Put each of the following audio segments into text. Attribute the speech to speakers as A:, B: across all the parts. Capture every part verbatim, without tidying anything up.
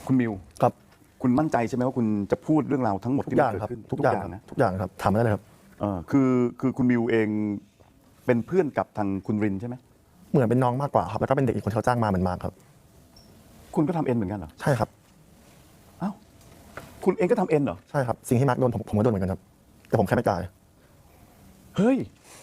A: คุณมิว
B: ครับ
A: คุณมั่นใจใช่ไหมว่าคุณจะพูดเรื่องราวทั้งหมดที่มันเกิดขึ้น
B: ทุกอย่างนะทุกอย่างครับทำได้เลยครับ
A: เออคือคือคุณมิวเองเป็นเพื่อนกับทางคุณรินใช่ไหม
B: เหมือนเป็นน้องมากกว่าครับแล้วก็เป็นเด็กอีกคนเขาจ้างมาเหมือนมากครับ
A: คุณก็ทำเอ็นเหมือนกันเหรอ
B: ใช่ครับ
A: อ้าวคุณเองก็ทำเอ็นเหรอ
B: ใช่ครับสิ่งที่มาร์กโดนผมผมก็โดนเหมือนกันครับแต่ผมแค่ไม่จ่าย
A: เฮ้ย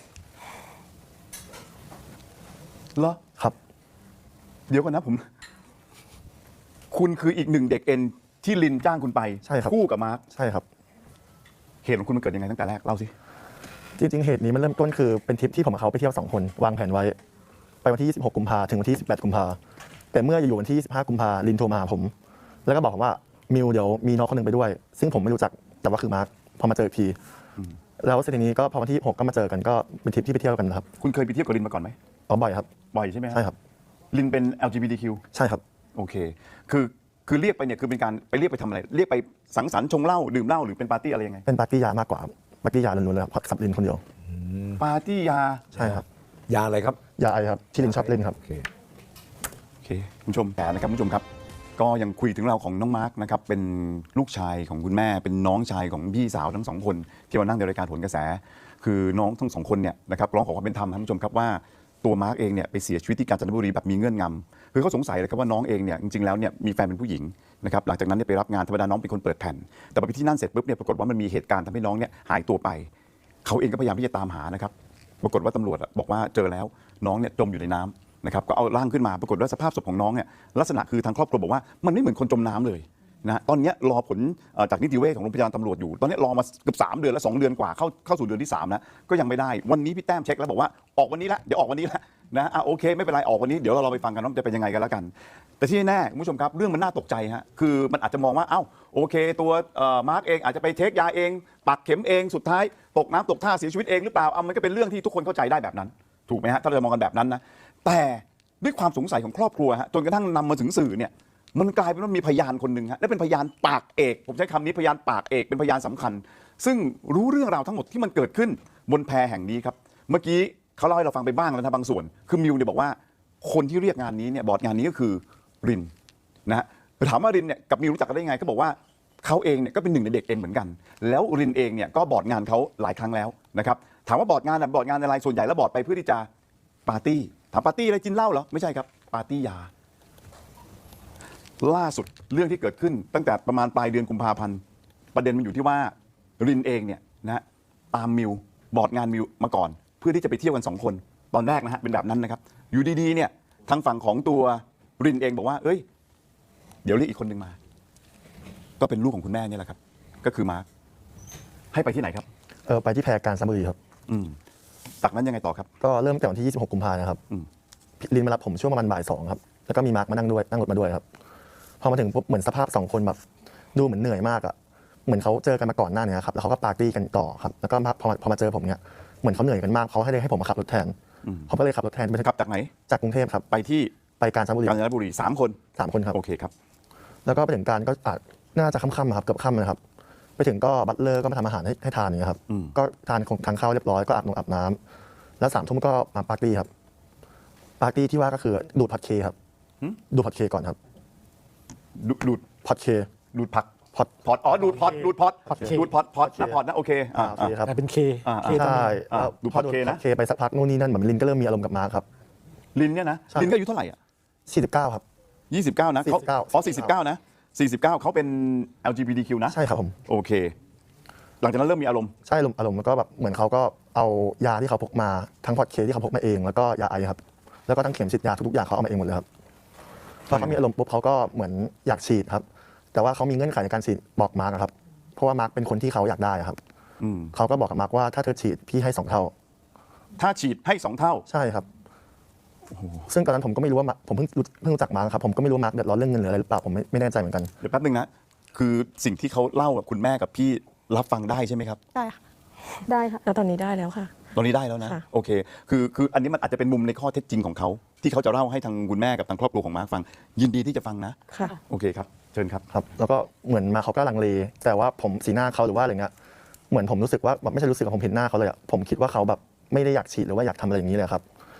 A: เหรอ
B: ครับ
A: เดี๋ยวก่อนนะผมคุณคืออีกหนึ่งเด็กเอ็นที่ลินจ้างคุณไป
B: ใช่ครับ
A: คู่กับมาร์ค
B: ใช่ครับ
A: เหตุของคุณมันเกิดยังไงตั้งแต่แรกเล่าสิ
B: จริงๆเหตุนี้มันเริ่มต้นคือเป็นทริปที่ผมกับเขาไปเที่ยวสองคนวางแผนไว้ไปวันที่ยี่สิบหกกุมภาถึงวันที่สิบแปดกุมภาแต่เมื่ออยู่วันที่ยี่สิบห้ากุมภาลินโทรมาหาผมแล้วก็บอกผมว่ามิวเดี๋ยวมีน้องคนหนึ่งไปด้วยซึ่งผมไม่รู้จักแต่ว่าคือมาร์คพอมาเจออีกทีแล้วเสร็จทีนี้ก็พอวันที่หกก็มาเจอกันก็เป็นทริปที่ไปเที่ยวกันครับ
A: คุณเคยไปเที่ยวกับลินมาก่อนไหม
B: อ๋อบ่อยครับ
A: บ่อยใช่ไหม
B: ใช่ครับ
A: ลินเป็น แอล จี บี ที คิว
B: ใช่ครับ
A: โอเคคือคือเรียกไปเนี่ยคือเป็นการไปเรียกไปทำอะไรเรียกไปสังสรรค์ชงเหล้าดื่มเหล้าหรือเป็นปาร์ตี้อะไรยังไง
B: เป็นปาร์ตี้ยามากกว่าปาร์ตี้ยาล้วนๆเลยครับสับลินคนเดียว
A: ปาร์ตี้ยา
B: ใช่ครับ
C: ยาอะไรครับ
B: ยาไอครับที่ลินชอบเล่นครับ
C: โอเค
A: โอเคคุณผู้ชมแผลนะครับคุณผู้ชมครับก็ยังคุยถึงเราของน้องมาร์กนะครับเป็นลูกชายของคุณแม่เป็นน้องชายของพี่สาวทั้งสองคนที่มานั่งในรายการโหนกระแสคือน้องทั้งสองคนเนี่ยนะครับร้องขอความเป็นธรรมท่านผู้ชมครับว่าตัวมาร์กเองเนี่ยไปเสียชีวิตที่กาญจนบุรีแบบมีเงื่อนงำคือเขาสงสัยเลยครับว่าน้องเองเนี่ยจริงๆแล้วเนี่ยมีแฟนเป็นผู้หญิงนะครับหลังจากนั้นเนี่ยไปรับงานธรรมดาน้องเป็นคนเปิดแผ่นแต่พอไปที่นั่นเสร็จปุ๊บเนี่ยปรากฏว่ามันมีเหตุการณ์ทำให้น้องเนี่ยหายตัวไปเขาเองก็พยายามที่จะตามหานะครับปรากฏว่าตำรวจบอกว่าเจอแล้วน้องเนี่ยจมอยู่ในน้ำนะครับก็เอาร่างขึ้นมาปรากฏว่าสภาพศพของน้องเนี่ยลักษณะคือทางครอบครัวบอกว่ามันไม่เหมือนคนจมน้ำเลยนะตอนนี้รอผลจากนิติเวชของโรงพยาบาลตำรวจอยู่ตอนนี้รอมาเกือบสามเดือนแล้วสองเดือนกว่าเข้าเข้าสู่เดือนที่สามแล้วก็ยังไม่ได้วันนี้พี่แต้มเช็คแล้วบอกว่าออกวันนี้ละเดี๋ยวออกวันนี้ละนะอ่ะโอเคไม่เป็นไรออกวันนี้เดี๋ยวเราไปฟังกันว่าจะเป็นยังไงกันแล้วกันแต่ที่แน่คุณผู้ชมครับเรื่องมันน่าตกใจฮะคือมันอาจจะมองว่าเอ้าโอเคตัวมาร์กเองอาจจะไปเทคยาเองปักเข็มเองสุดท้ายตกน้ำตกท่าเสียชีวิตเองหรือเปล่าเอามันก็เป็นเรื่องที่ทุกคนเข้าใจได้แบบนั้นถูกไหมฮะถ้าเรามองกันแบบนั้นนะแต่ด้วยความสงสัยของครอบครัวฮะจนกระทั่งนำมาถึงสื่อเนี่ยมันกลายเป็นว่ามีพยานคนหนึ่งฮะและเป็นพยานปากเอกผมใช้คำนี้พยานปากเอกเป็นพยานสำคัญซึ่งรู้เรื่องราวทั้งหมดที่มันเกิดขึ้นบนแพแห่งนี้ครับเมื่อกี้เขาเล่าให้เราฟังไปบ้างแล้วนะบางส่วนคือมิวเนี่ยบอกว่าคนที่เรียกงานนี้เนี่ยบอร์ดงานนี้ก็คือรินนะฮะถามว่ารินเนี่ยกับมิวรู้จักกันได้ยังไงก็บอกว่าเขาเองเนี่ยก็เป็นหนึ่งในเด็กเอ็นเหมือนกันแล้วรินเองเนี่ยก็บอร์ดงานเขาหลายครั้งแล้วนะครับถามว่าบอร์ดงานบอร์ดงานอะไรส่วนใหญ่แล้วบอร์ดไปเพื่อที่จะปาร์ตี้ถามปาร์ตี้อะไรกินเหล้าเหรอไม่ใช่ครับปาร์ตี้ยาล่าสุดเรื่องที่เกิดขึ้นตั้งแต่ประมาณปลายเดือนกุมภาพันธ์ประเด็นมันอยู่ที่ว่ารินเองเนี่ยนะตามมิวบอร์ดงานมิวมาก่อนเพื่อที่จะไปเที่ยวกันสองคนตอนแรกนะฮะเป็นแบบนั้นนะครับอยู่ดีๆเนี่ยทางฝั่งของตัวรินเองบอกว่าเอ้ยเดี๋ยวเรียกอีกคนหนึ่งมาก็เป็นลูกของคุณแม่นี่แหละครับก็คือมาร์คให้ไปที่ไหนครับ
B: เออไปที่แพรการสมุยครับ
A: อืมจากนั้นยังไงต่อครับ
B: ก็เริ่มแต่วันที่ยี่สิบหกกุมภาพันธ์นะครับลินมารับผมช่วงประมาณบ่ายสองครับแล้วก็มีมาร์คมานั่งด้วยนั่งรถมาด้วยครับพอมาถึงปุ๊บเหมือนสภาพสองคนแบบดูเหมือนเหนื่อยมากอ่ะเหมือนเขาเจอกันมาก่อนหน้านี้ครับแล้วเขาก็ปาร์ตี้กันต่อครับแล้วก็พอพอมาเจอผมเนี่ยเหมือนเขาเหนื่อยกันมากเขาให้เลยให้ผมมาขับรถแทนเขาก็เลยขับรถแทนไป
A: ขับจากไหน
B: จากกรุงเทพครับ
A: ไปที่
B: ไปกาญจนบุรี
A: กาญจนบุรีสามคน
B: สามคนครับ
A: โอเคครับ
B: แล้วก็ไปถึงการก็อาจน่าจะค่ำๆครับเกือบค่ำนะครับไปถึงก็บัตเลอร์ก็มาทำอาหารให้ให้ทานอย่างเงี้ยครับก็ทานของทานข้าวเรียบร้อยก็อาบน้ำอาบน้ำแล้วสามทุ่มก็มาปาร์ตี้ครับปาร์ตี้ที่ว่าก็คือดูดพอดเคครับดูดพอดเคก่อนครับ
A: ดูด
B: พอดเค
A: ดูดผัก
B: พอด
A: พอดอ๋อดูดพอดดูดพอดดูดพอดพอดนะพอดนะโอเค
B: อ่าโอเคครับ
D: เป็นเค
B: ใช่
A: ดูดพอดเคนะ
B: เคไปสักพักนู่นนี่นั่นเหมือนลินก็เริ่มมีอารมณ์กับมาร์คครับ
A: ลินเนี่ยนะลินก็อายุเท่าไหร่อ่ะ
B: สี่สิบเก้าครับ
A: ยี่สิบเก้านะเขาอ๋อสี่สิบเก้านะสี่สิบเก้าเขาเป็น แอล จี บี ที คิว นะ
B: ใช่ครับผม
A: โอเคหลังจากนั้นเริ่มมีอารมณ์
B: ใช่อารมณ์อารมณ์แล้วก็แบบเหมือนเขาก็เอายาที่เขาพกมาทั้งพอดเคที่เขาพกมาเองแล้วก็ยาไอครับแล้วก็ทั้งเข็มฉีดยาทุกๆอย่างเขาเอามาเองหมดเลยครับพอเขามีอารมณ์ปุ๊บเขาก็เหมือนอยากฉีดครับแต่ว่าเขามีเงื่อนไขในการฉีดบอกมาร์กครับเพราะว่ามาร์กเป็นคนที่เขาอยากได้ครับเขาก็บอกกับมาร์กว่าถ้าเธอฉีดพี่ให้สองเท่า
A: ถ้าฉีดให้สองเท่า
B: ใช่ครับซึ่งตอนนั้นผมก็ไม่รู้ว่าผมเพิ่งเพิ่งรู้จักมาร์กครับผมก็ไม่รู้มาร์กเดือดร้อนเรื่องเงินหรืออะไรหรือเปล่าผมไม่ไม่แน่ใจเหมือนกัน
A: เดี๋ยวแป๊บนึงนะคือสิ่งที่เขาเล่ากับคุณแม่กับพี่รับฟังได้ใช่ไหมครับ
E: ได้ค่ะได้ค่ะ
D: แล้วตอนนี้ได้แล้วค่ะ
A: ตอนนี้ได้แล้วนะโอเคคือคืออันนี้มันอาจจะเป็นมุมในข้อเท็จจริงของเขาที่เขาจะเล่าให้ทางคุณแม่กับทางครอบครัวของมาร์คฟังยินดีที่จะฟังนะ
D: ค่ะ
A: โอเคครับเชิญครับ
B: ครับแล้วก็เหมือนมาเขาก็ลังเลแต่ว่าผมสีหน้าเขาหรือว่าอะไรเงี้ยเหมือนผมรู้สึกว่าแบบไม่ใช่รู้สึกว่าผมเห็นหน้าเขาเลยอ่ะผมคิดว่าเขาแบบไม่ได้อยากฉีดหรือว่าอยากทำอะไรอย่างนี้เลยครับพ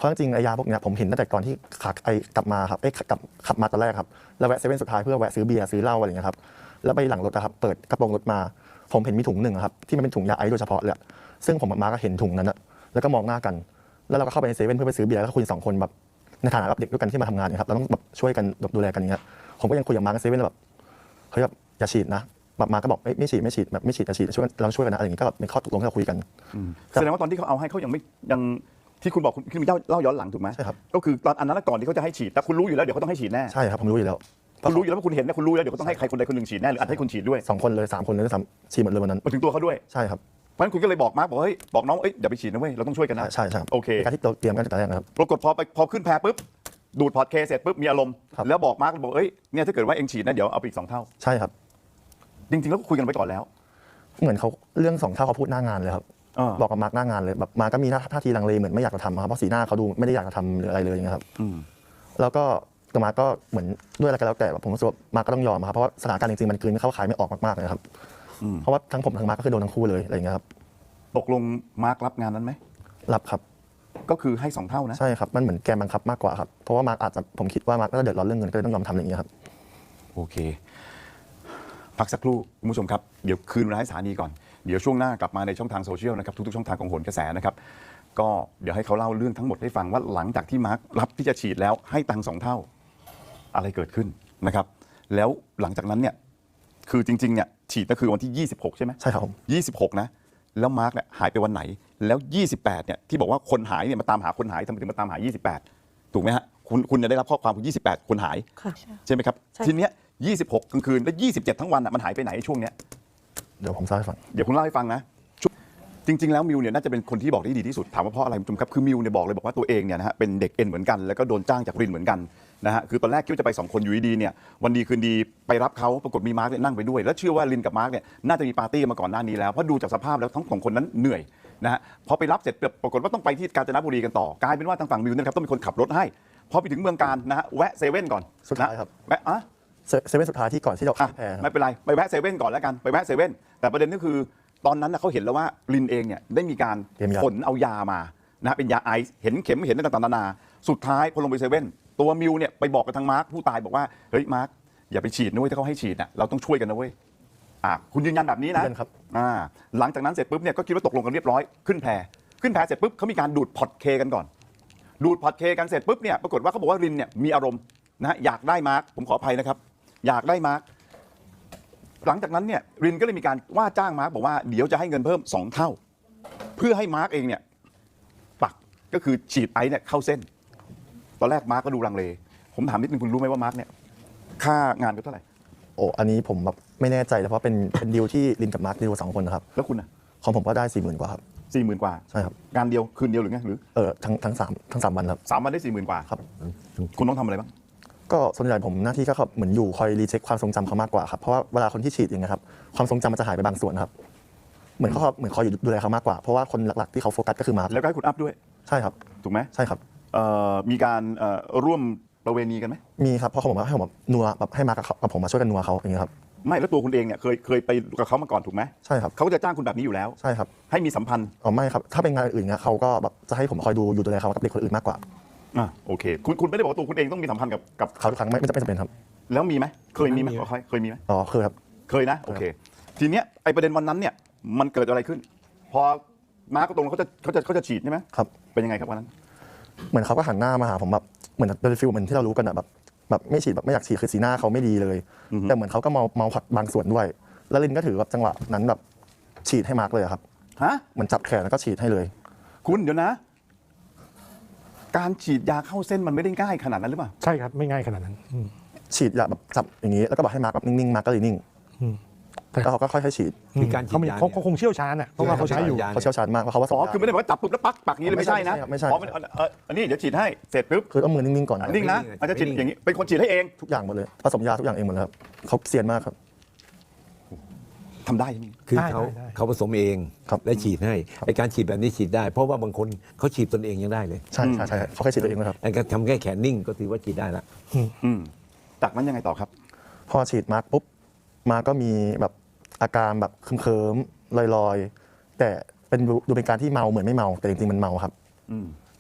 B: เพราะจริงๆไอยาพวกเนี้ยผมเห็นตั้งแต่ก่อนที่ขาไอกลับมาครับเอ้ยกลับขับมาตอนแรกครับแล้วแวะเซเว่นสุดท้ายเพื่อแวะซื้อเบียร์ซื้อเหล้าอะไรอย่างเงี้ยครับแล้วไปหลังรถนะครับเปิดกระโปรงรถมาผมเห็นมีถุงหนึ่งครับที่มันเป็นถุงยาไอซ์โดยเฉพาะเลยซึ่งผมกับมาร์คก็เห็นถุงนั้นนะแล้วก็มองหน้ากันแล้วเราก็เข้าไปในเซเว่นเพื่อไปซื้อเบียร์แล้วก็คุยสองคนแบบในฐานะแบบเด็กด้วยกันที่มาทำงานเนี่ยครับเราต้องแบบช่วยกันดูแลกันอย่างเงี้ยผมก็ยังคุยกับมาร์คในเซเว่นแบบเฮ้ยแบบอย่าฉีดนะแบบมาร์คก็บอกไม่ไม่ฉีดไม่ฉีดแบบไม่ฉีดอย่าฉีดช่วยเราช่วยกันนะอะไรอย่างเงี้ยก็แบบเป็นข้อตกลงที่เราคุยกัน
A: แสดงว่าตอนที่เขาเอาให้เขายังไม่ยังที่คุณบอกคุณคุณเล่าเล่าย้อนหลังถูกไหม
B: ใช่ครับ
A: ก็คือตอนอันนั้นก่อนที่เขาจะให้ฉีดแต่คุณรู้อยู่แล้วเดี๋ยวเขาต้องให้ฉีดแน่
B: ใช่ครับผมรู้อยู่แล้ว
A: คุณรู้อยู่แล้วว่าคุณเห็นนะคุณรู้แล้วเดี๋ยวเขาต้องให้ใครคนใดคนหนึ่งฉีดแน่หรืออาจให้คุณฉีดด้วย
B: สองคนเลยสามคนเลยด้วยซ้ำฉีดหมดเลยวันนั้น
A: มาถึงตัวเขาด้วย
B: ใช่ครับ
A: เพราะฉะนั้นคุณก็เลยบอกมาร์กบอกเฮ้ยบอกน้องเอ้ยอย่าไปฉีดนะเว้ยเราต้องช่วยกันนะ
B: ใช่ใช่ครับ
A: โอเค
B: เป็นการที่เราเตรียมกันตั้งแต่แรกนะครับ
A: ปรากฏพอไปพอขึ้นแพปุ๊บดูดพอร์ตเคเสร็จปุ๊บมีอารมณ์
B: ครับ
A: แล้วบอกมาร์กบอกเอ้ยเนี่ยถ้าเกิดว่าเองฉีดนะเดี๋ยวเอาไปอีกสองเท่า
B: ใช่ครับ
A: จริงๆแล้วก็คุยกันไปก่อนแล้ว
B: เหมือนเขาเรื่องสองเท่าเขาพูดหน้างานเลยครับ
A: อ่า
B: บอกกับมาร์กหน้างานเลยแบบมาร์กก็มีท่าทีลังเลเหมือนไม่อยากจะทำครับเพราะสีหน้าเขาดูไม่ได้อยากจะทำหรืออะไรเลยอย่างเงี้ยครับ
A: อืม
B: แล้วก็แต่มาร์กก็เหมือนด้วยอะไรก็แล้วแต่แบบผมรู้สึกว่ามาร์กก็ต้องยอมครับเพราะว่าสถานการณ์จริงๆมันกลืนเข้าขายไม่ออกมากๆเลยครับ
A: อืม
B: เพราะว่าทั้งผมทั้งมาร์กก็คือโดนทั้งคู่เลยอะไรอย่างเงี้ยครับ
A: ตกลงมาร์กรับงานนั้นไหม
B: รับครับ
A: ก็คือให้สองเท่านะ
B: ใช่ครับมันเหมือนแกมบังคับมากกว่าครับเพราะว่ามาร์กอาจจะผมคิดว่ามาร์กน่าจะเดือดร้อนเรื่องเงินก็เลยต้องยอมทำอย่างเงี้ยครับ
A: โอเค พักสักครู่คุณผู้ชมครับเดี๋ยวคืนเวลาให้สถานีก่อนเดี๋ยวช่วงหน้ากลับมาในช่องทางโซเชียลนะครับทุกๆช่องทางของโหนกระแสนะครับก็เดี๋ยวให้เขาเล่าเรื่องทั้งหมดให้ฟังว่าหลังจากที่มาร์ครับที่จะฉีดแล้วให้ตังค์สองเท่าอะไรเกิดขึ้นนะครับแล้วหลังจากนั้นเนี่ยคือจริงๆเนี่ยฉีดก็คือวันที่ยี่สิบหกใช่ไหม
B: ใช่ครับผม
A: ยี่สิบหกนะแล้วมาร์กเนี่ยหายไปวันไหนแล้วยี่สิบแปดเนี่ยที่บอกว่าคนหายเนี่ยมาตามหาคนหายทำไมถึงมาตามหายี่สิบแปดถูกไหมฮะคุณคุณจะได้รับข้อความคือยี่สิบแปดคนหาย
C: ค่ะ
A: ใช่ไหมครับ
C: ใช่
A: ทีเนี้ยยี่สิบหกกลางคืนแล้วยี่สิบเจ็ดทั้งวันอ่ะมันหายไปไหนช่วงเนี้ย
B: เดี๋ยวผมเล่าให้ฟัง
A: เดี๋ยวคุณเล่าให้ฟังนะช่วงจริง ๆ แล้วมิวเนี่ยน่าจะเป็นคนที่บอกได้ดีที่สุดถามว่าเพราะอะไรคุณผู้ชมครับคือมิวเนี่ยบอกเลยบอกว่าตัวเองเนี่ยนะฮะเป็นเด็กเอ็นเหมือนกันแล้วก็โดนจ้างจากรินเหมือนกันนะฮะคือตอนแรกคิดว่าจะไปสองคนอยู่ดีๆเนี่ยวันดีคืนดีไปรับเขาปรากฏมีมาร์กเนี่ยนั่งไปด้วยแล้วเชื่อว่ารินกับมาร์กเนี่ยน่าจะมีปาร์ตี้มาก่อนหน้านี้แล้วเพราะดูจากสภาพแล้วทั้งสองคนนั้นเหนื่อยนะฮะพอไปรับเสร็จปรากฏว่าต้องไปที่กาญจนบุรีกันต่อกลายเป็นว่าทางฝั่งมิวเนี่ยนะครับต้องเป็นคนขับรถให้พอไปถึงเมืองการนะฮะแวะเซเว่นก่อน
B: สุดท้ายครับ
A: แวะอ่ะ
B: เซเซเว่นสุดท้ายที่ก่อนที่เรา
A: อ่ะ
B: แพ้ครับ
A: ไม่เป็นไรไปแวะเซเว่นก่อนแล้วกันไปแวะเซเว่นแต่ประเด็นก็คือตอนนั้นนะเขาเห็นแล้วว่าลินเองเนี่ยได้มีการ
B: เตรียมยา
A: ขนเอายามานะเป็นยาไอซ์เห็นเข็มเห็นต่างๆนานาสุดท้ายพอลงไปเซเว่นตัวมิวเนี่ยไปบอกกับทางมาร์คผู้ตายบอกว่าเฮ้ยมาร์คอย่าไปฉีดนะเว้ยถ้าเขาให้ฉีดน่ะเราต้องช่วยกันนะเว้ยอ่ะคุณยืนยันแบบนี้นะ
B: ยืนยันครับ
A: อ่าหลังจากนั้นเสร็จปุ๊บเนี่ยก็คิดว่าตกลงกันเรียบร้อยขึ้นแพขึ้นแพเสร็จปุ๊บเขามีการดูดพอร์ตเคกันก่อน ดูดพอร์ตเคกันเสร็จปุ๊บเนี่ยปรากฏว่าเขาบอกว่ารินเนี่ยมีอารมณ์นะอยากได้มาร์คผมขออภัยนะครับอยากได้มาร์คหลังจากนั้นเนี่ยรินก็เลยมีการว่าจ้างมาร์คบอกว่าเดี๋ยวจะให้เงินเพิ่มสองเท่า เพื่อให้มาร์คเองเนี่ยปักก็คือฉีดไอซ์เนี่ยเข้าเส้น ตอนแรกมาร์คก็ดูลังเล ผมถามนิดนึงคุณรู้ไหมว่ามาร์คเนี่ยค่างานก็เท่าไหร่
B: โอ้อันนี้ผมแบบไม่แน่ใจแต่เพราะเป็นเป็นดีลที่ลินกับมาร์คดีลสองคนนะครับ
A: แล้วคุณอ่ะ
B: ของผมก็ได้สี่หมื่นกว่าครับ
A: สี่หมื่นกว่า
B: ใช่ครับ
A: งานเดียวคืนเดียวหรือไงหรือ
B: เออทั้งทั้งสามทั้งสามวันครับ
A: สามวันได้สี่หมื่นกว่า
B: ครับ
A: คุณต้องทำอะไรบ้าง
B: ก็ส่วนใหญ่ผมหน้าที่ก็เหมือนอยู่คอยรีเช็คความทรงจำเขามากกว่าครับเพราะว่าเวลาคนที่ฉีดอย่างเงี้ยครับความทรงจำมันจะหายไปบางส่วนครับเหมือนเขาเหมือนคอยอยู่ดูแลเขามากกว่าเพราะว่าคนหลักๆที่เขาโฟกัสก็คือมาร์ค
A: แล้วก็ให้คุณอัพด้วย
B: ใช่ครับ
A: ถูกไหม
B: ใช่ครับ
A: เอ่อมีการเอ่อร่วมประเวณีกันไหม
B: มีครับเพราะเขาบอกว่าให้ผมแบบนัวแบบให้มาร์คกับเขากับผมมาช่วยกันนัวเขาอย่างเงี้ยครับ
A: ไม่แล้วตัวคุณเองเนี่ยเคยเคยไปกับเขามาก่อนถูกไหม
B: ใช่ครับ
A: เขาก็จะจ้างคุณแบบนี้อยู่แล้ว
B: ใช่ครับ
A: ให้มีสัมพันธ์
B: อ๋อไม่ครับถ้าเป็นงานอื่นเงี้ยเขาก็แบบจะให้ผมคอยดูอยู่ดูแลเขากับเด็กคนอื่นมากกว่า
A: อ่ะโอเคคุณคุณไม่ได้บอกว่าตัวคุณเองต้องมีสัมพันธ์กับกับ
B: เขาทุกครั้งไม่ไม่จำเป็นจำเป็นครับ
A: แล้วมีไหมเคยมีไหมเคยเคยมีไหม
B: อ๋อคือครับ
A: เคยนะโอเคทีเนี้ยไอประเด็นวันนั้นเนี่ยมันเกิดอะไรขึ้น พอมาร์กตรงเขาจะเขาจะเขาจะฉีดใช่ไหม
B: ครับ
A: เป็นยังไงครับวันนั้น
B: เหมือนเขาก็หันหน้ามาหาผมแบบเหมือนเป็นฟิลเหมือนที่เรารู้กันอะแบบแบบไม่ฉีดแบบไม่อยากฉีดคือสีหน้าเขาไม่ดีเลย แต่เหมือนเขาก็เมาเมาผัดบางส่วนด้วย แล้วลินก็ถือแบบจังหวะนั้นแบบฉีดให้มาร์กเลยอะครับ
A: ฮะ
B: เหมือนจับแขนแล้วก็ฉีดให้เลย
A: คุณเดี๋ยวนะ การฉีดยาเข้าเส้นมันไม่ได้ง่ายขนาดนั้นหรือเปล่า
D: ใช่ครับ ไม่ง่ายขนาดนั้นอืม
B: ฉีดยาแบบจับอย่างนี้แล้วก็บอกให้มาร์กแบบนิ่งๆมาร์กก็เลยนิ่ง
D: อืม
B: แล้วเขาก็ค่อยๆฉีด
E: มีการฉีด
D: เขามี
E: ยา
D: เขา
E: เนี่ย
D: เขาคงเชี่ยวชาญอ่ะเพราะว่าเขาใช้อยู่
E: ยา
B: เขาเชี่ยวชาญมากเพราะเขาว่า
A: อ๋อคือไม่ได้บอกว่าจับปุ๊บแล้วปักปักอย่างนี้เลยไม่ใช่นะ
B: ไม่ใช่
A: อ๋อมันเอ่ออันนี้เดี๋ยวฉีดให้เสร็จปุ๊บ
B: คือต้องมือนิ่งๆก่อนนะ
A: นิ่งนะอาจจะฉีดอย่างนี้เป็นคนฉีดให้เอง
B: ทุกอย่างหมดเลยผสมยาทุกอย่างเองหมดเลยครับเขาเซียนมากครับ
A: ทำได้ใช่ไหม
E: คือ
D: ได้
E: เขา
D: ได้ได้
E: เขาผสมเอง
B: ครับ
E: และฉีดให้ไอการฉีดแบบนี้ฉีดได้ เพราะว่าบางคนเขาฉีดตนเองยังได้เลย
B: ใช่ใช่ใช่เขาแค่ฉีดตัวเองนะครับ
E: ไอการทำแค่แขนนิ่งก็ถือว่าฉีดได้ละ
A: อืมจากนั้นยังไงต่อครับ
B: พอฉีดมาร์กปุ๊บมาร์กก็มีแบบอาการแบบเคิมๆลอยๆ แต่เป็นดูดูเป็นการที่เมาเหมือนไม่เมาแต่จริงๆมันเมาครับ
A: อืม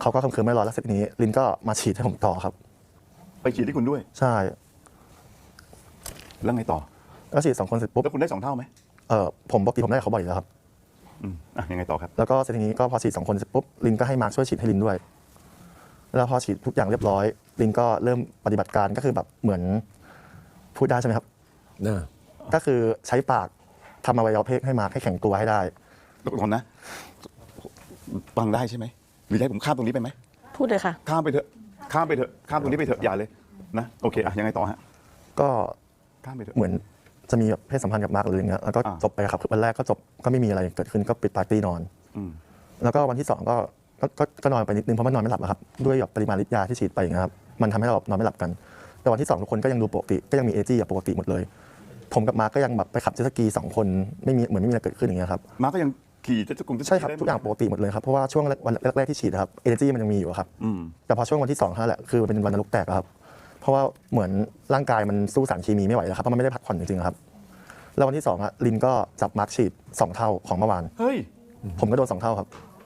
B: เขาก็คำคืนไม่รอแล้วเสร็จทีนี้ลินก็มาฉีดให้ผมต่อครับ
A: ไปฉีดให้คุณด้วย
B: ใช่
A: แล้วไงต่อ
B: ก็ฉีดสองคนเสร็จปุ๊บ
A: แล้วคุณได้สองเท่าไหม
B: เออผมปกติผมได้กับเขาบ่อยอยู่แล้วครับ
A: อืมอ่ะยังไงต่อครับ
B: แล้วก็เสร็จทีนี้ก็พอฉีดสองคนเสร็จปุ๊บลินก็ให้มาร์คช่วยฉีดให้ลินด้วย แล้วพอฉีดทุกอย่างเรียบร้อยลินก็เริ่มปฏิบัติการก็คือแบบเหมือนพูดได้ใช่ไหมครับ
E: นะ
B: ก็คือใช้ปากทำอวัยวะเพศให้มาร์คให้แข็งตัวให้ได้
A: แล้วก่อนนะฟังได้ใช่ไหมหรือจะให้ผมข้ามตรงนี้ไปไหม
C: พูดเลยค่ะ
A: ข้ามไปเถอะข้ามไปเถอะข้ามตรงนี้ไปเถอะอย่าเลยนะโอเคอ่ะยังไงต่อฮะ
B: ก็
A: ข้ามไปเถอะ
B: เหมือนจะมีแบบเพศสัมพันธ์กับมาร์คหรืออย่างเงี้ยแล้วก็
A: อ่า
B: จบไปครับคือวันแรกก็จบก็ไม่มีอะไรเกิดขึ้นก็ปิดปาร์ตี้นอน
A: อืม
B: แล้วก็วันที่สองก็ก็ก็ก็นอนไปนิดนึงเพราะมันนอนไม่หลับอะครับด้วยแบบปริมาณฤทธิ์ยาที่ฉีดไปอย่างเงี้ยครับมันทำให้เราแบบนอนไม่หลับกัน แต่วันที่สองทุกคนก็ยังดูปกติก็ยังมีเอจี้แบบปกติหมดเลย ผมกับมาร์คก็ยังแบบไปขับเจ็ตสกีสองคนไม่มีเหมือนไม่มีอะไรเกิดขึ้นอย่างเงี้ยครับ
A: มาก็ยังขี่จะจะกลุ่มจะ
B: ใช่ครับทุกอย่างปกติหมดเลยครับเพราะว่าช่วงวันแรกๆที่ฉีดอะครับเอเนจีมันยังมีอยู่อะครับ
A: อืม
B: แต่พอช่วงวันที่สองเท่านั้นแหละคือมันเป็นวันนรกแตกอะครับเพราะว่าเหมือนร่างกายมันสู้สารเคมีไม่ไหวแล้วครับเพราะมันไม่ได้พักผ่อนจริงๆอะครับแล้ววันที่สองอะลินก็จับมาร์คฉีดสองเท่าของเมื่อวาน
A: เฮ้ย
B: ผมก็โดนสองเท่าครับ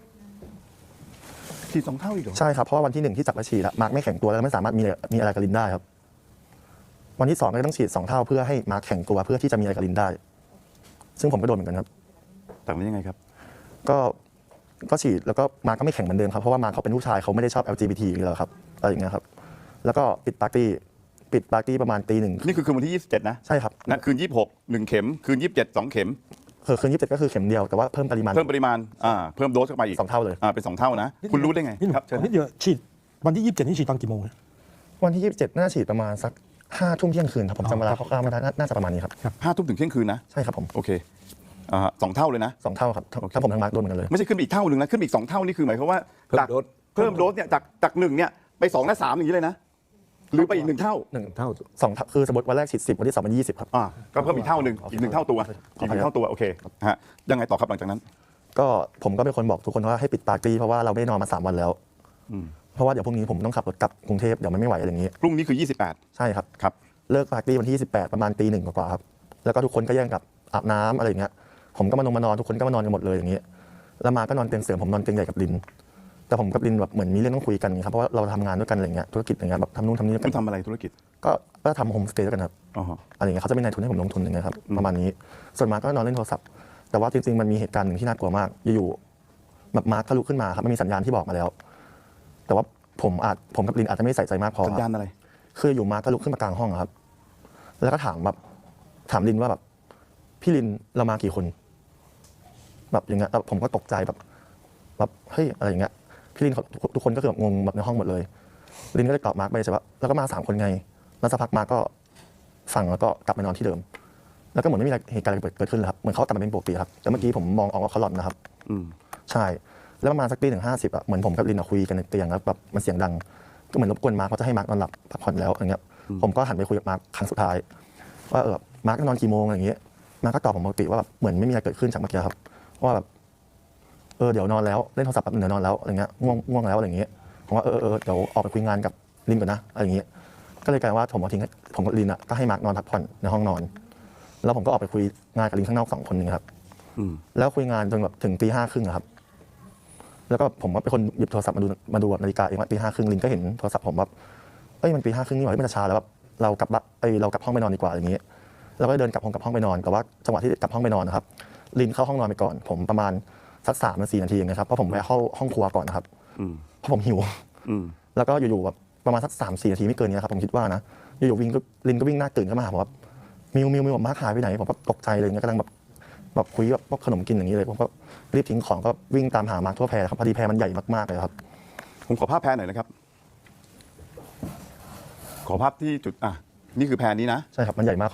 A: ขี่สองเท่าอีกเหรอ
B: ใช่ครับเพราะว่าวันที่หนึ่งที่จับมาฉีดอะมาร์คไม่แข็งตัวแล้วไม่สามารถมีมีอะไรกับลินได้ครับวันที่สองก็ต้องฉีดสองเท่าเพื่อให้มาร์คแข็งตัวเพื่อที่จะมีอะไรกับลินได้ ซึ่งผมก็โดนเหมือนกันครับ
A: แต่มันยังไงครับ
B: ก็ก็ฉีดแล้วก็มาร์คก็ไม่แข็งเหมือนเดิมครับเพราะว่ามาร์คเขาเป็นผู้ชายเขาไม่ได้ชอบ แอล จี บี ที อยู่แล้วครับอะไรอย่างเงี้ยครับแล้วก็ปิดปาร์ตี้ปิดปาร์ตี้ประมาณตีหนึ่ง
A: นี่คือคืนวันที่ยี่สิบเจ็ดนะ
B: ใช่ครับ
A: นะคืนยี่สิบหกหนึ่งเข็มคืนยี่สิบเจ็ดสองเข็ม
B: คือคืนยี่สิบเจ็ดก็คือเข็มเดียวแต่ว่าเพิ่มปริมาณ
A: เพิ่มปริมาณอ่าเพิ่มโดสเข้าไปอีก
B: สองเท่าเลย
A: อ่าเป็นสองเท่านะคุณรู้ได้ไง
D: นี่หนู
A: ครับเชิญ
D: นิดเดียวฉีดวันที่ยี่สิบเจ็ดนี่ฉีดตอนกี่โมงนะ
B: วันที่ยี่สิบเจ็ดน่าฉีดประมาณสักห้าทุ่มเที่ยงคืนครับผมจำเวลาคร่าวๆไม่ได้น่าน่าจะประมาณนี้ครับ
A: ห้าทุ่มถึงเที่ยงคืนนะ
B: ใช่ครับผม
A: โอเคอ่าสองเท่าเลยนะ
B: สองเท่าครับถ้าผมทั้งมาร์คโดนเหมือนกันเลย
A: ไม่ใช่ขึ้นไปอีกเท่าหนึ่งนะขึ้นไปอีกสองเท่านี่คือหมายความว่า
E: เพิ่ม
A: จาก
E: โดส
A: เพิ่มโดสเนี่ยจากจากหนึ่งเนี่ยไปสองและสามอย่างนี้เลยนะหรือไปอีกหนึ่งเท่า
B: หนึ่ง
E: เท่า
B: สองเท่าคือสมมติวันแรกฉีดสิบวันที่สองมันยี่สิบครับ
A: อ่าก็เพิ่มอีกเท่าหนึ่งอีกหนึ่งเท่าตัวอีกหนึ่งเท่าตัวโอเคฮะยังไงต่อครับหลังจากนั้น
B: ก็ผมก็เป็นคนบอกทุกคนว่าให้ปิดปาร์ตี้เพราะว่าเราไม่ได้นอนมาสามวันแล้ว
A: อืม
B: เพราะว่าเดี๋ยวพรุ่งนี้ผมต้องขับรถกลับกรุงเทพเดี๋ยวมันไม่ไหวอะไรอย่างนี้
A: พรุ่งนี้คือยี่สิบแปด
B: ใช่ครับ
A: ครับ
B: เลิกปาร์ตี้วันที่สิบแปดประมาณตีหนึ่งกว่าๆครับแล้วก็ทุกคนก็แย่งกับอาบน้ำอะไรอย่างเงี้ยผมก็มานอนมานอนทุกคนก็มานอนกันหมดเลยอย่างนี้แล้วมาก็นอนเตียงเสริมผมนอนเตียงใหญ่กับลิน แต่ผมกับลินแบบเหมือนมีเรื่องต้องคุยกันครับเพราะว่าเราทำงานด้วยกันอะไรเงี้ยธุรกิจอะไรเงี้ยแบบทำนู่นทำนี่ด้วย
A: คุ
B: กั
A: ณ
B: น
A: ทำอะไรธุรกิจ
B: ก็ก็ทำโฮมสเตย์ด้วยกันครับ
A: อ๋อฮะ
B: อะไรเงี้ยเขาจะเป็นนายทุนให้ผมลงทุนอย่างเงี้ยครับประมาณนี้ส่วนมาร์คก็นอนเล่นโทรศัพท์แต่ว่าจริงๆมันมีเหตุการณ์หนึ่งที่น่ากลัวมากอยู่ๆแบบมาร์คก็ลุกขึ้นมาครับมันมีสัญญาณที่บอกมาแล้ว แต่ว่าผมอาจผมกับลินอาจจะไม่ใส่ใจมากพอ
A: สัญญาณอะไร
B: คืออยู่มาร์คก็ลุกขึ้นมากลางห้องอะครับ แล้วก็ถามแบบถามลินว่าแบบพี่ลินเรามากี่คน แบบอย่างเงี้ยแล้วผมก็ตกใจแบบแบบเฮ้ยอะไรอย่างเงี้ยพี่ลินเขาทุกคนก็คือแบบงงแบบในห้องหมดเลยลินก็เลยตอบมาร์คไปใช่ปะแล้วก็มาสามคนไงแล้วสักพักมาร์คก็ฟังแล้วก็กลับไปนอนที่เดิม แล้วก็เหมือนไม่มีอะไรเหตุการณ์อะไรเกิดขึ้นเลยครับเหมือนเขากลับมาเป็นปกติครับแต่เมื่อกี้ผมมองออกว่าเขาหลอนนะครับ
A: อืม
B: ใช่แล้วประมาณสักตีหนึ่งห้าสิบอะเหมือนผมกับลินอะคุยกันในเตียงแล้วแบบมันเสียงดังก็เหมือนรบกวนมาร์คเขาจะให้มาร์คนอนหลับพักผ่อนแล้วอย่างเงี้ยผมก็หันไปคุยกับมาร์คครั้งสุดท้ายว่าเออมาร์คนอนกี่โมงอะไรอย่างเงี้ยมาร์คก็ตอบผมปกติว่าแบบเหมือนไม่มีอะไรเกิดขึ้นจากเมื่อกี้ครับว่าแบบเออเดี๋ยวนอนแล้วเล่นโทรศัพท์แบบเดี๋ยวนอนแล้วอะไรเงี้ยง่วงง่วงแล้วอะไรอย่างเงี้ยผมว่าเออเออเดี๋ยวออกไปคุยงานกับลินก่อนนะอะไรอย่างเงี้ยก็เลยกลายว่าผมเอาทิ้งผมกับลินอะก็ให้มาร์คนอนพักผ่อนในห้องนอน แล้วผมก็ออกไปคุยงานกับลินข้างนอกสองคนหนึงครับ
A: อืม
B: แล้วคุยงานจนแบบถึงตีห้าครึ่งครับ แล้วก็ผมว่าเป็นคนหยิบโทรศัพท์มาดูมาดูแบบนาฬิกาเองว่าตีห้าครึ่งลินก็เห็นโทรศัพท์ผมแบบเอ้ยมันตีห้าครึ่งนี่หว่าเฮ้ยมันจะช้าแล้วแบบเรากลับบ้านเอ้ยเรากลับห้องไปนอนดีกว่าอย่างนี้เราก็เดินกลับห้องกลับห้องไปนอนแต่ว่าจังหวะที่กลับห้องไปนอนนะครับลินเข้าห้องนอนไปก่อน ผมประมาณสักสามนาทีนาทีเองนะครับเพราะผมแวะเข้าห้องครัวก่อนนะครับ
A: อืม
B: เพราะผมหิว
A: อืม
B: แล้วก็อยู่ๆแบบประมาณสักสามสี่นาทีไม่เกินนี้ครับผมคิดว่านะอยู่ๆวิ่งก็ลินก็วิ่งหน้าตื่นเข้ามาหาผมว่ามิวมิวมิวมาร์คหายไปไหนผมก็ตกใจเลยเนี่ยกำลังแบบแบบคุยแบบพวกขนมกินอย่างนี้เลยผมก็รีบทิ้งของก็วิ่งตามหามาร์คทั่วแพรครับพอดีแพรมันใหญ่มากๆเลยครับ
A: ผมขอภาพแพรหน่อยนะครับ ขอภาพที่จุดอ่ะนี่คือแพรนี้นะ
B: ใช่ครับมันใหญ่มาก